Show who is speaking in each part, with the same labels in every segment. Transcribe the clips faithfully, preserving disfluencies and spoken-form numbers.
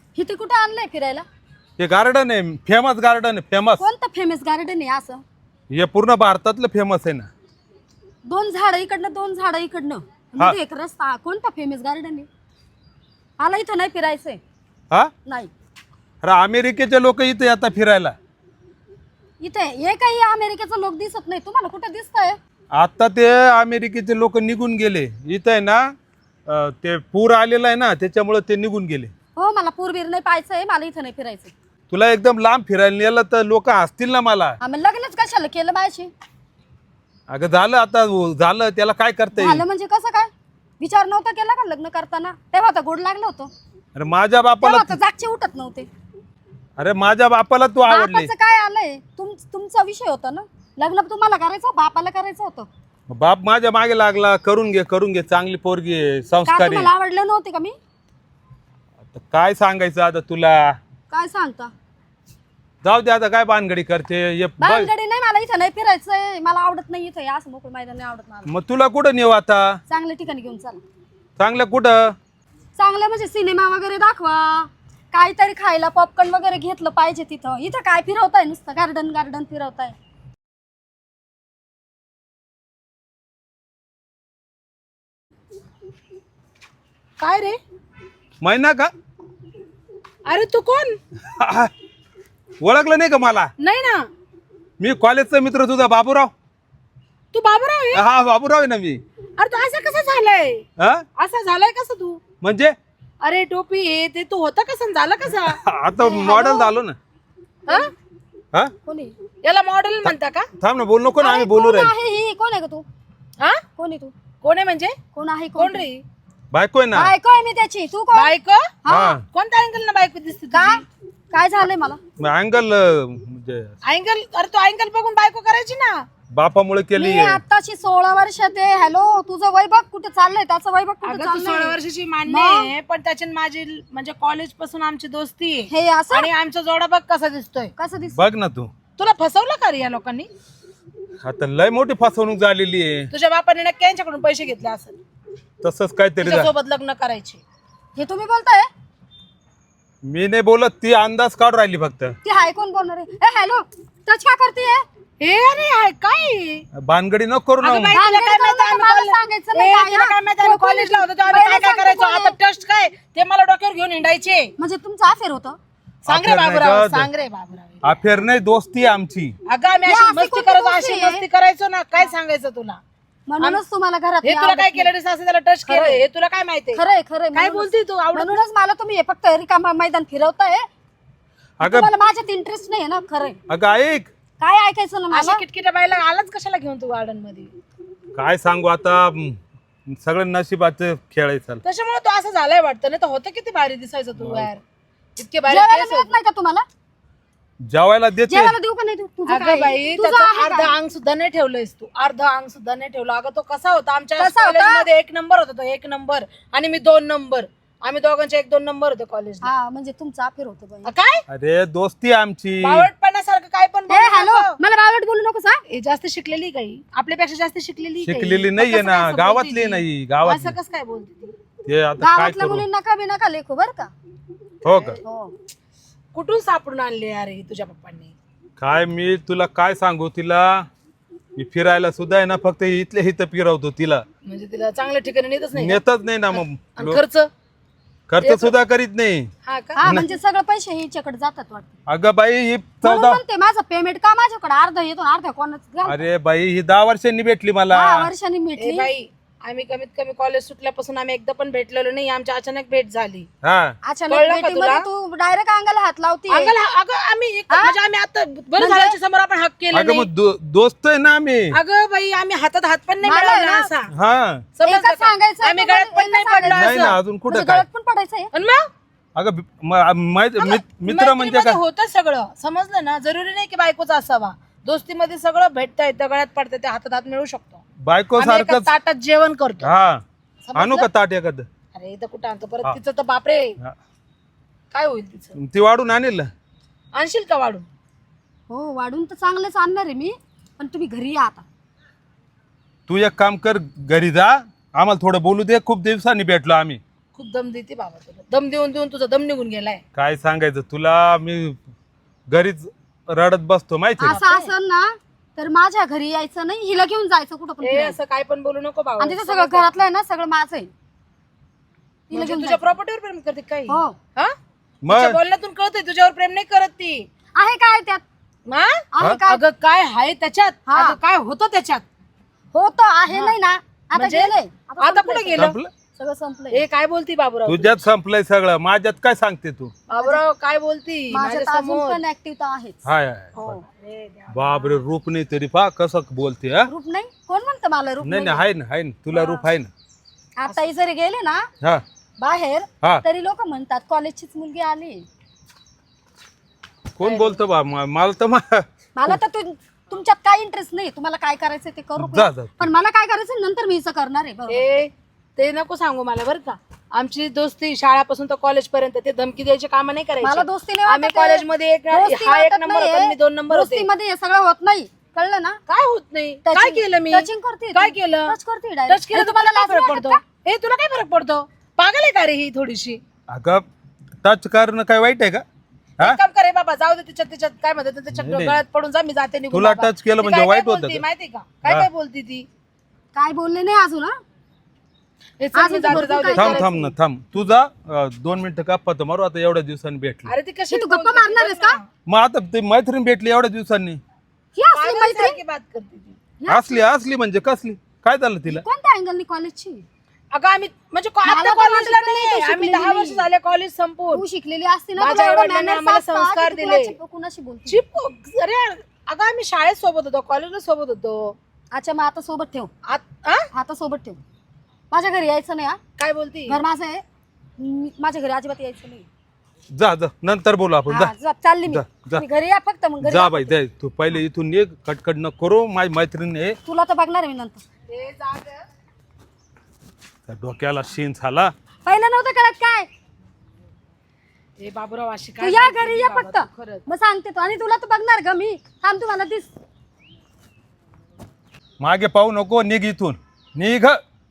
Speaker 1: इथे कुठे आणलंय फिरायला?
Speaker 2: हे गार्डन आहे, फेमस गार्डन आहे, फेमस.
Speaker 1: कोणतं फेमस गार्डन आहे असं?
Speaker 2: हे पूर्ण भारतातलं फेमस आहे ना.
Speaker 1: दोन झाडं इकडनं दोन झाडं इकडनं मध्ये एक रस्ता. कोणता फेमस गार्डन आहे? मला इथं नाही फिरायचंय.
Speaker 2: हा
Speaker 1: नाही.
Speaker 2: अरे अमेरिकेचे लोक इथे येतात फिरायला.
Speaker 1: इथे हे काही अमेरिकेचं लोक दिसत नाही. तुम्हाला कुठे दिसतंय?
Speaker 2: आता ते अमेरिकेचे लोक निघून गेले. इथं आहे ना अं, ते पूर आलेला आहे ना, त्याच्यामुळे ते निघून गेले.
Speaker 1: हो, मला पूरबीर नाही पाहायचंय. मला इथं नाही फिरायचंय.
Speaker 2: तुला एकदम लांब फिरायला नेलं तर लोक हसतील ना मला.
Speaker 1: आम्ही लग्नच कशाला केलं माझ्याशी?
Speaker 2: अगं झालं आता, झालं त्याला काय करता येईल.
Speaker 1: झालं म्हणजे कसं काय? विचार नव्हता केला का लग्न करताना? तेव्हा तर गोड लागलं होतं.
Speaker 2: अरे माझ्या बापाला
Speaker 1: तेव्हा तर जागचे उठत नव्हते.
Speaker 2: अरे माझ्या बापाला तू आवडली.
Speaker 1: बापाचं काय आलंय? तुम तुमचा विषय होता ना. लग्न तुम्हाला करायचं, बापाला करायचं होतं.
Speaker 2: बाप माझ्या मागे लागला, करून घे करून घे, चांगली पोरगी आहे,
Speaker 1: का
Speaker 2: संस्कारी.
Speaker 1: तुम्हाला आवडलं नव्हते का मी?
Speaker 2: आता काय सांगायचं आता तुला.
Speaker 1: काय सांगता?
Speaker 2: जाऊ दे आता, काय बानगडी करते ये बघ.
Speaker 1: बांधगडी नाही, मला इथं नाही फिरायचंय. मला आवडत नाही इथं. असं मोकळं मैदान नाही आवडत मला.
Speaker 2: मग तुला कुठं नेऊ आता?
Speaker 1: चांगल्या ठिकाणी घेऊन चला.
Speaker 2: चांगलं कुठं?
Speaker 1: चांगलं म्हणजे सिनेमा वगैरे दाखवा. काहीतरी खायला पॉपकॉर्न वगैरे घेतलं पाहिजे तिथं. इथं काय फिरवताय? नुसतं गार्डन गार्डन फिरवताय.
Speaker 3: काय रे?
Speaker 2: महिना का?
Speaker 3: अरे तू कोण?
Speaker 2: ओळखलं नाही का मला?
Speaker 3: नाही ना.
Speaker 2: मी कॉलेजचा मित्र तुझा बाबूराव.
Speaker 3: तू बाबूराव आहे?
Speaker 2: हा बाबूराव आहे ना मी.
Speaker 3: अरे तू असं कसं झालंय?
Speaker 2: हा
Speaker 3: असं झालंय कसं तू?
Speaker 2: म्हणजे
Speaker 3: अरे टोपी हे ते तू होता कसं झालं कसं?
Speaker 2: आता मॉडेल झालो ना.
Speaker 3: हा?
Speaker 2: हा
Speaker 1: कोणी?
Speaker 3: याला मॉडेल म्हणता का?
Speaker 2: थांब ना, बोल नको ना, आम्ही
Speaker 1: अरे,
Speaker 2: बोलू
Speaker 1: कोण
Speaker 2: राहील.
Speaker 1: आहे ही? कोण आहे का तू?
Speaker 3: हा?
Speaker 1: कोण आहे तू?
Speaker 3: कोण आहे म्हणजे?
Speaker 1: कोण आहे?
Speaker 3: कोण रे?
Speaker 2: बायको आहे ना.
Speaker 1: बायको आहे मी त्याची. तू कोण?
Speaker 3: बायको?
Speaker 2: हा
Speaker 3: कोणत्या अँगल ना बायको दिसते
Speaker 1: काय
Speaker 3: तुझी?
Speaker 1: काय झालंय मला?
Speaker 2: अँगल म्हणजे
Speaker 3: अँगल? अरे तू अँगल बघून बायको करायची ना.
Speaker 2: बापामुळे केली
Speaker 1: मी आताची सोळा वर्षात आहे. हॅलो, तुझं वय बघ कुठे चाललंय? त्याचं वय बघ कुठे
Speaker 3: अगं तू सोळा
Speaker 1: चाललंय?
Speaker 3: वर्षाची मान्य आहे, पण त्याची आणि माझी म्हणजे कॉलेज पासून आमची दोस्ती आहे.
Speaker 1: हे असं
Speaker 3: आणि आमचा जोडा बघ कसा दिसतोय.
Speaker 1: कसं दिसत?
Speaker 2: बघ ना तू.
Speaker 3: तुला फसवलं का रे या लोकांनी?
Speaker 2: आता लय मोठी फसवणूक झालेली आहे.
Speaker 3: तुझ्या बापाने नक्की यांच्याकडून पैसे घेतले असेल
Speaker 2: तसंच काहीतरी झालं.
Speaker 3: सोबत लग्न करायचे.
Speaker 1: हे तुम्ही बोलताय?
Speaker 2: मी नाही बोलत, ती अंदाज काढ राहिली फक्त.
Speaker 1: ती हाय कोण बोलणार आहे? ए हॅलो, टच का करते?
Speaker 3: हे अरे हाय काय?
Speaker 2: भानगडी नको करू ना.
Speaker 3: अगं बाई, तुला काय माहिती आम्ही
Speaker 1: मला
Speaker 3: कॉलेज-
Speaker 1: सांगायचं
Speaker 3: ए,
Speaker 1: नाही काय,
Speaker 3: तुला
Speaker 1: हा?
Speaker 3: काय माहिती आम्ही
Speaker 1: कोण-
Speaker 3: कॉलेजला होतो तेव्हा आम्ही
Speaker 1: पहिलं
Speaker 3: काय काय
Speaker 1: सांगतो
Speaker 3: करायचो?
Speaker 1: कोण
Speaker 3: आता
Speaker 1: आहे?
Speaker 3: टेस्ट काय ते मला डोक्यावर घेऊन हिंडायचे.
Speaker 1: म्हणजे तुमचं अफेअर होतं?
Speaker 3: सांग रे
Speaker 2: अफेअर नाही
Speaker 3: बाबूराव,
Speaker 2: गं.
Speaker 3: सांग रे बाबूराव.
Speaker 2: अफेअर नाही, दोस्ती आहे आमची.
Speaker 3: अगं आम्ही
Speaker 1: हे
Speaker 3: अशी
Speaker 1: अशी
Speaker 3: मस्ती
Speaker 1: कोणती
Speaker 3: करायचो,
Speaker 1: गोष्ट
Speaker 3: अशी
Speaker 1: आहे?
Speaker 3: मस्ती करायचो ना. काय सांगायचं तुला?
Speaker 1: म्हणूनच तुम्हाला घरात
Speaker 3: हे तुला काय केलं रे? सासू त्याला टच केलं, हे तुला काय माहिती?
Speaker 1: खरंय खरंय.
Speaker 3: काय
Speaker 1: म्हणूनच-
Speaker 3: बोलती तू? आवडत
Speaker 1: म्हणूनच मला तुम्ही हे फक्त रिकामा मैदान फिरवताय.
Speaker 2: अगं
Speaker 1: तुम्हाला माझ्यात इंटरेस्ट नाही ना. खरंय.
Speaker 2: अगं ऐक,
Speaker 1: काय ऐकायचं ना
Speaker 3: अशा
Speaker 1: मला?
Speaker 3: किटकिट्या बाईला आलाच कशाला घेऊन तू गार्डन मध्ये?
Speaker 2: काय सांगू आता, म, सगळं नशिबाचं खेळ आहे. चल
Speaker 3: त्याच्यामुळे तू असं झालंय वाटतं. नाही तर होतं किती भारी दिसायचं तू यार. इतके भारी
Speaker 1: जेवायला
Speaker 3: केस
Speaker 1: मिळत
Speaker 3: होते.
Speaker 1: नाही का तुम्हाला?
Speaker 2: जेवायला देते.
Speaker 1: जेवायला देऊ का नाही? तू तुझं
Speaker 3: अगं
Speaker 1: काय?
Speaker 3: बाई,
Speaker 1: तुझं
Speaker 3: त्याचं
Speaker 1: आहे
Speaker 3: अर्ध
Speaker 1: काय?
Speaker 3: अंग सुद्धा नाही ठेवलंयस तू. अर्ध अंग सुद्धा नाही ठेवलं. अगं तो कसा होता? आमच्या
Speaker 1: कसा होता?
Speaker 3: कॉलेजमध्ये एक नंबर होता तो, एक नंबर. आणि मी दोन नंबर. आम्ही दोघांचे एक दोन नंबर होते कॉलेजला.
Speaker 1: हा, म्हणजे तुमचं अफेअर होतं बाई.
Speaker 3: अ, काय
Speaker 2: अरे दोस्ती आहे आमची.
Speaker 3: बावळटपणासारखं काय पण
Speaker 1: ए
Speaker 3: बोलू
Speaker 1: हॅलो,
Speaker 3: नको.
Speaker 1: मला बावळट बोलू नको सांग.
Speaker 3: हे जास्त शिकलेली काही आपल्यापेक्षा जास्त शिकलेली काही?
Speaker 2: शिकलेली
Speaker 3: मग
Speaker 2: नाहीये
Speaker 3: कसं
Speaker 2: ना,
Speaker 3: काय असं
Speaker 2: गावातली
Speaker 3: बोलती ती?
Speaker 2: नाही, गावातली.
Speaker 3: असं कसं काय बोलते ती?
Speaker 2: ते आता काय
Speaker 1: गावातल्या
Speaker 2: करू.
Speaker 1: मुलींना कमी नका लेखू बर का?
Speaker 2: हो का?
Speaker 1: हो.
Speaker 3: कुठून सापडून आणले यार हे तुझ्या पप्पांनी?
Speaker 2: काय मी तुला काय सांगू, तिला मी फिरायला सुद्धा आहे ना, फक्त इथल्या इथं फिरवतो तिला.
Speaker 3: म्हणजे तिला चांगल्या ठिकाणी नेतच नाही का?
Speaker 2: नेतच नाही ना. मग
Speaker 3: आणि खर्च?
Speaker 2: खर्च सुद्धा करीत नाही.
Speaker 3: हा का?
Speaker 1: हा, म्हणजे सगळे पैसे हिच्याकडे जातात वाटतं.
Speaker 2: अगं बाई ही
Speaker 1: म्हणून
Speaker 2: चौदा
Speaker 1: म्हणते माझं पेमेंट का माझ्याकडे अर्धा येतो आणि अर्धा कोणाच घाल.
Speaker 2: अरे बाई ही दहा वर्षांनी भेटली मला.
Speaker 1: दहा वर्षांनी
Speaker 3: ए
Speaker 1: मिटली.
Speaker 3: बाई, आम्ही कमीत कमी कॉलेज सुटल्यापासून आम्ही एकदा पण भेटलेलो नाही. आमची अचानक भेट झाली.
Speaker 2: हा
Speaker 1: अचानक
Speaker 3: कळलं का
Speaker 1: भेटीमध्ये
Speaker 3: तुला?
Speaker 1: तू डायरेक्ट अंगाला हात लावती.
Speaker 3: अंगल हा- अगं आम्ही एक- म्हणजे आम्ही आता बरं झाल्याच्या समोर आपण हक केला
Speaker 2: अगं
Speaker 3: नाही.
Speaker 2: मग दो- दोस्त आहे ना आम्ही.
Speaker 3: अगं बाई, आम्ही हातात हात पण नाही
Speaker 1: मला
Speaker 3: मिळवला
Speaker 1: ना-
Speaker 3: असा.
Speaker 2: हा
Speaker 3: समजलं
Speaker 1: एकच
Speaker 3: का?
Speaker 1: सांगायचं
Speaker 3: आम्ही
Speaker 1: तुम्हाला,
Speaker 3: गळ्यात पण
Speaker 1: एकच
Speaker 3: नाही पडलो
Speaker 2: नाही ना,
Speaker 3: असं.
Speaker 2: अजून कुठं
Speaker 1: म्हणजे
Speaker 2: काय.
Speaker 1: गळ्यात पण पडायचंय.
Speaker 3: आणि मग
Speaker 2: अगं बी- म- माहित- मित- मित्र म्हणजे
Speaker 3: मैत्रीमध्ये
Speaker 2: काय.
Speaker 3: होतं सगळं. समजलं ना? जरुरी नाही की बायकोचा असावा. दोस्तीमध्ये सगळं भेटता येतं, गळ्यात पडतं, ते हातात हात मिळू शकतो.
Speaker 2: बायको
Speaker 3: आम्ही एका
Speaker 2: सारखंच.
Speaker 3: ताटात जेवण करतो.
Speaker 2: हा
Speaker 3: समजलं?
Speaker 2: आणू का ताट एखादं?
Speaker 3: अरे इथं कुठं आणतो परत?
Speaker 2: हा.
Speaker 3: तिचं तर बापरे,
Speaker 2: हा.
Speaker 3: काय होईल तिचं?
Speaker 2: ती वाढून आणेल.
Speaker 3: आणशील का वाढून?
Speaker 1: हो, वाढून तर चांगलंच आणणार आहे मी, पण तुम्ही घरी या आता.
Speaker 2: तू एक काम कर, घरी जा, आम्हाला थोडं बोलू दे. खूप दिवसांनी भेटलो आम्ही,
Speaker 3: खूप दम देते बाबा तुला. दम देऊन देऊन तुझा दम निघून गेलाय.
Speaker 2: काय सांगायचं तुला, मी घरीच रडत बसतो माहिती आहे का?
Speaker 1: असं असेल ना तर माझ्या घरी यायचं नाही, हिला घेऊन जायचं कुठं पण
Speaker 3: ए
Speaker 1: फिरायला.
Speaker 3: असं काय पण बोलू नको बाबा.
Speaker 1: आणि तिचं सगळं घरातलं आहे ना सगळं माझं आहे. तिला
Speaker 3: म्हणजे
Speaker 1: घेऊन
Speaker 3: तुझ्या
Speaker 1: जायचं.
Speaker 3: प्रॉपर्टीवर प्रेम करते काही?
Speaker 1: हो
Speaker 3: हा?
Speaker 2: मग
Speaker 3: तिच्या बोलण्यातून कळतंय तुझ्यावर प्रेम नाही करत ती.
Speaker 1: आहे काय त्यात,
Speaker 3: हा?
Speaker 1: आहे काय
Speaker 3: अगं काय आहे त्याच्यात,
Speaker 1: हा.
Speaker 3: अगं काय होतं त्याच्यात.
Speaker 1: होतं आहे नाही ना, आता
Speaker 3: म्हणजे?
Speaker 1: गेलंय
Speaker 3: आता
Speaker 1: संपलंय
Speaker 3: कुठे
Speaker 1: सगळं.
Speaker 3: गेलं?
Speaker 2: संपलं?
Speaker 1: सगळं संपलंय.
Speaker 3: ए काय बोलती बाबूराव?
Speaker 2: तुझ्यात संपलंय सगळं, माझ्यात काय सांगते तू?
Speaker 3: बाबूराव काय बोलती
Speaker 1: माझ्यात
Speaker 3: माझ्या
Speaker 1: अजून
Speaker 3: समोर?
Speaker 1: पण ऍक्टिव्ह आहेच.
Speaker 2: हाय हाय.
Speaker 1: हो
Speaker 2: बापरे, रूप नाही तरी पा कसं बोलते हा?
Speaker 1: रूप नाही, कोण म्हणतं मला रूप
Speaker 2: नाही
Speaker 1: नाही?
Speaker 2: नाही, आहे ना आहे ना, तुला रूप आहे ना.
Speaker 1: आता ही जरी गेले ना
Speaker 2: हा
Speaker 1: बाहेर
Speaker 2: हा.
Speaker 1: तरी लोक म्हणतात कॉलेजचीच मुलगी आली.
Speaker 2: कोण बोलतो बा म- मला तर मा-
Speaker 1: मला तर तु- तुमच्यात काय इंटरेस्ट नाही, तुम्हाला काय करायचं ते करू
Speaker 2: जा
Speaker 1: का?
Speaker 2: जा.
Speaker 1: पण मला काय करायचं नंतर मी असं करणार आहे. बरोबर.
Speaker 3: ए ते नको सांगू मला बरं का. आमची दोस्ती शाळापासून तर कॉलेज पर्यंत, ते धमकी द्यायची काम नाही
Speaker 1: मला
Speaker 3: करायची.
Speaker 1: दोस्ती नाही
Speaker 3: आम्ही
Speaker 1: वाटत आहे.
Speaker 3: कॉलेजमध्ये एक
Speaker 1: दोस्ती
Speaker 3: हा एक
Speaker 1: वाटत
Speaker 3: नंबर होता,
Speaker 1: नाहीये.
Speaker 3: मी दोन नंबर होते.
Speaker 1: दोस्तीमध्ये हे सगळं होत नाही, कळलं ना?
Speaker 3: काय होत नाही? काय
Speaker 1: Touching-
Speaker 3: केलं मी?
Speaker 1: touching करते
Speaker 3: काय
Speaker 1: ती.
Speaker 3: केलं?
Speaker 1: Touch करते direct.
Speaker 3: टच केलं
Speaker 1: आणि
Speaker 3: तुम्हाला काय
Speaker 1: लाज
Speaker 3: फरक
Speaker 1: वाटत
Speaker 3: पडतो?
Speaker 1: का?
Speaker 3: ए तुला काय फरक पडतो? पागल आहे का रे ही थोडीशी?
Speaker 2: अगं टच करणं काय वाईट आहे का? हा?
Speaker 3: एक काम करे बाबा, जाऊ दे तिच्यात तिच्यात काय म्हणतात त्याच्या
Speaker 2: नाही, नाही.
Speaker 3: गळ्यात पडून जा, मी जाते निघून
Speaker 2: तुला
Speaker 3: बाबा.
Speaker 2: touch केलं
Speaker 3: ती
Speaker 2: म्हणजे
Speaker 3: काय-
Speaker 2: वाईट
Speaker 3: काय
Speaker 2: होतं
Speaker 3: बोलती
Speaker 2: का?
Speaker 3: माहिती का? काय
Speaker 2: हा.
Speaker 3: काय बोलती ती?
Speaker 1: काय बोलले नाही अजून हा?
Speaker 3: हे चल,
Speaker 1: अजून
Speaker 3: मी
Speaker 1: ती
Speaker 3: जाते,
Speaker 1: भरपूर
Speaker 3: जाऊ दे.
Speaker 1: काय
Speaker 2: थांब
Speaker 1: करायचं?
Speaker 2: थांब ना थांब, तुझा दोन मिनिटं गप्पा तर मारू आता, एवढ्या दिवसांनी भेटली.
Speaker 3: अरे ती कशी
Speaker 1: हे तू गप्पा मारणार आहेस का?
Speaker 2: मग आता ते मैत्रीण भेटली एवढ्या दिवसांनी.
Speaker 1: ही असली मैत्रीण
Speaker 3: बात करते ती.
Speaker 2: असली असली म्हणजे कसली? काय झालं तिला?
Speaker 1: कोणत्या अँगलनी कॉलेजची?
Speaker 3: अगं आम्ही म्हणजे को-
Speaker 1: मला
Speaker 3: आता
Speaker 1: तर
Speaker 3: कॉलेजला
Speaker 1: वाटत नाही
Speaker 3: नाही,
Speaker 1: तू
Speaker 3: आम्ही
Speaker 1: शिकलेली
Speaker 3: दहा वर्ष
Speaker 1: नाही.
Speaker 3: झाले कॉलेज संपून.
Speaker 1: तू शिकलेली असती ना,
Speaker 3: माझ्या
Speaker 1: तुला एवढं
Speaker 3: आईवडिलांनी
Speaker 1: manners
Speaker 3: आम्हाला
Speaker 1: असतात
Speaker 3: संस्कार
Speaker 1: की तू
Speaker 3: दिले.
Speaker 1: कुणाची- कुणाशी बोलते?
Speaker 3: चिप अरे अगं आम्ही शाळेत सोबत होतो, कॉलेजला सोबत होतो.
Speaker 1: अच्छा मग आता सोबत ठेव,
Speaker 3: आत- आ?
Speaker 1: आता सोबत ठेव. माझ्या घरी यायचं नाही हा.
Speaker 3: काय बोलती?
Speaker 1: घर माझं आहे, मी- माझ्या घरी अजिबात यायचं नाही.
Speaker 2: जा जा, नंतर बोलू आपण.
Speaker 1: हा,
Speaker 2: जा
Speaker 1: जा, चालली मी.
Speaker 2: जा, जा.
Speaker 1: मी घरी या फक्त, मग घरी
Speaker 2: जा
Speaker 1: या.
Speaker 2: बाई दे, तू पहिले इथून निघ, कटकट न करू. माझी मैत्रीण आहे,
Speaker 1: तुला तर बघणार आहे मी नंतर.
Speaker 3: ए, जा गं.
Speaker 2: त्या डोक्याला शीन झाला.
Speaker 1: पहिलं नव्हतं कळत काय?
Speaker 3: ए बाबूराव अशी
Speaker 1: तू
Speaker 3: काय
Speaker 1: या
Speaker 3: बोलती
Speaker 1: घरी या
Speaker 3: बाबा
Speaker 1: फक्त,
Speaker 3: तू खरंच.
Speaker 1: मग सांगते तो. आणि तुला तर बघणार ग मी. थांब, तू मला दिस.
Speaker 2: मागे पाहू नको, निघ इथून निघ.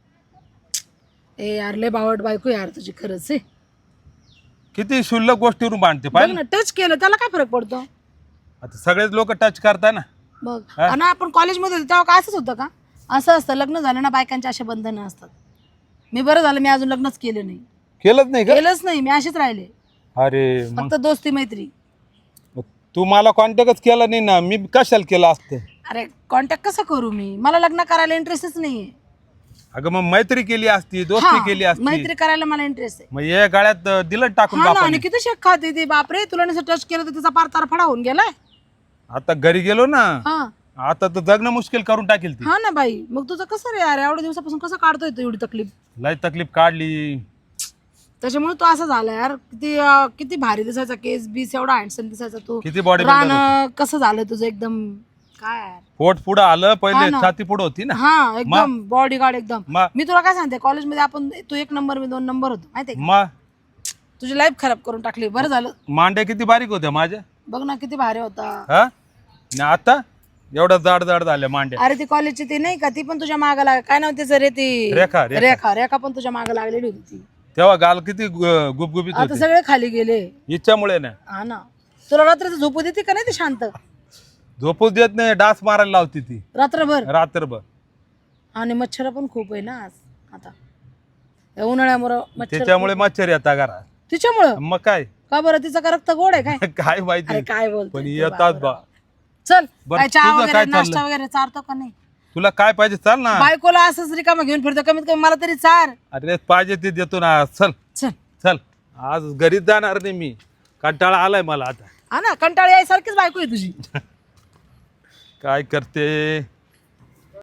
Speaker 3: ए यार लय बावट बायको यार तुझी खरंच आहे.
Speaker 2: किती शुल्लक गोष्टीवरून बांधते
Speaker 3: बघ
Speaker 2: पाहिजे.
Speaker 3: ना, टच केलं त्याला काय फरक पडतो?
Speaker 2: आता सगळेच लोक टच करताय ना.
Speaker 3: मग
Speaker 2: हा?
Speaker 3: आणि आपण कॉलेजमध्ये होतो तेव्हा काय असंच होतं का? असं असतं, लग्न झालं ना बायकांचे असे बंधनं असतात. मी बरं झालं मी अजून लग्नच केलं नाही,
Speaker 2: केलंच नाही का?
Speaker 3: केलंच नाही मी, असेच राहिले.
Speaker 2: अरे मग
Speaker 3: फक्त दोस्ती मैत्री.
Speaker 2: तू मला कॉन्टॅक्टच केला नाही ना, मी कशाला केला असते?
Speaker 3: अरे कॉन्टॅक्ट कसं करू मी? मला लग्न करायला इंटरेस्टच नाहीये.
Speaker 2: अगं मग मैत्री केली असती, दोस्ती
Speaker 3: हा,
Speaker 2: केली असती.
Speaker 3: मैत्री करायला मला इंटरेस्ट आहे.
Speaker 2: मग या गाळ्यात अं, दिलं टाकून
Speaker 3: हा ना, आणि
Speaker 2: बापाने.
Speaker 3: किती शेक खाते ती बापरे. तुला नसं टच केलं तर तिचा पार तारफडा होऊन गेलाय.
Speaker 2: आता घरी गेलो ना,
Speaker 3: हा
Speaker 2: आता तर जगणं मुश्किल करून टाकेल ती.
Speaker 3: हा ना बाई, मग तुझं कसं रे यार, एवढ्या दिवसापासून कसं काढतोय तू एवढी तकलीफ?
Speaker 2: लय तकलीफ काढली.
Speaker 3: त्याच्यामुळे तो असं झाला यार. किती अं, किती भारी दिसायचा, केस बीस एवढा हँडसम दिसायचा तू.
Speaker 2: किती बॉडी
Speaker 3: रान कसं झालं तुझं एकदम काय यार.
Speaker 2: पोट पुढं आलं,
Speaker 3: हा
Speaker 2: पहिले
Speaker 3: ना.
Speaker 2: छाती पुढं होती ना.
Speaker 3: हा एकदम बॉडी गार्ड एकदम.
Speaker 2: मग
Speaker 3: मी तुला काय सांगते, कॉलेजमध्ये आपण तू एक नंबर मी दोन नंबर होतो माहितीये का?
Speaker 2: मग
Speaker 3: तुझी लाईफ खराब करून टाकली. बरं झालं,
Speaker 2: मांड्या किती बारीक होत्या माझ्या.
Speaker 3: बघ ना किती भारी होता.
Speaker 2: हा आणि आता एवढ्या जाड जाड झाल्या मांड्या.
Speaker 3: अरे ती कॉलेजची ती नाही का, ती पण तुझ्या मागे लाग काय नाव तिचं रे ती
Speaker 2: रेखा, रेखा.
Speaker 3: रेखा रेखा पण तुझ्या मागे लागलेली होती ती.
Speaker 2: तेव्हा गाल किती गु- गुबगुबीत
Speaker 3: आता
Speaker 2: होते.
Speaker 3: सगळे खाली गेले.
Speaker 2: इच्छामुळे ना.
Speaker 3: हा ना, तुला रात्री झोपू देते का नाही ती शांत
Speaker 2: झोपूच देत नाही, डास मारायला लावती ती
Speaker 3: रात्रभर?
Speaker 2: रात्रभर.
Speaker 3: आणि मच्छर पण खूप आहे ना आज आता या उन्हाळ्यामुळं मच्छर.
Speaker 2: त्याच्यामुळे मच्छर येतात घरात.
Speaker 3: तिच्यामुळं
Speaker 2: मग काय
Speaker 3: का बरं, तिचं का रक्त गोड आहे काय?
Speaker 2: काय
Speaker 3: अरे
Speaker 2: माहिती,
Speaker 3: काय बोलतो
Speaker 2: पण येतात बा.
Speaker 3: चल
Speaker 2: बरं,
Speaker 3: काय चहा
Speaker 2: तुझं
Speaker 3: वगैरे
Speaker 2: काय
Speaker 3: नाश्ता
Speaker 2: चाललंय?
Speaker 3: वगैरे चारतो का नाही?
Speaker 2: तुला काय पाहिजे चाल ना.
Speaker 3: बायकोला असंच रिकामा घेऊन फिरतो, कमीत कमी मला तरी चार.
Speaker 2: अरे पाहिजे ते देतो ना. चल
Speaker 3: चल
Speaker 2: चल, आज घरीच जाणार नाही मी, कंटाळा आलाय मला आता.
Speaker 3: हा ना, कंटाळी यायसारखीच बायको आहे तुझी.
Speaker 2: काय करते.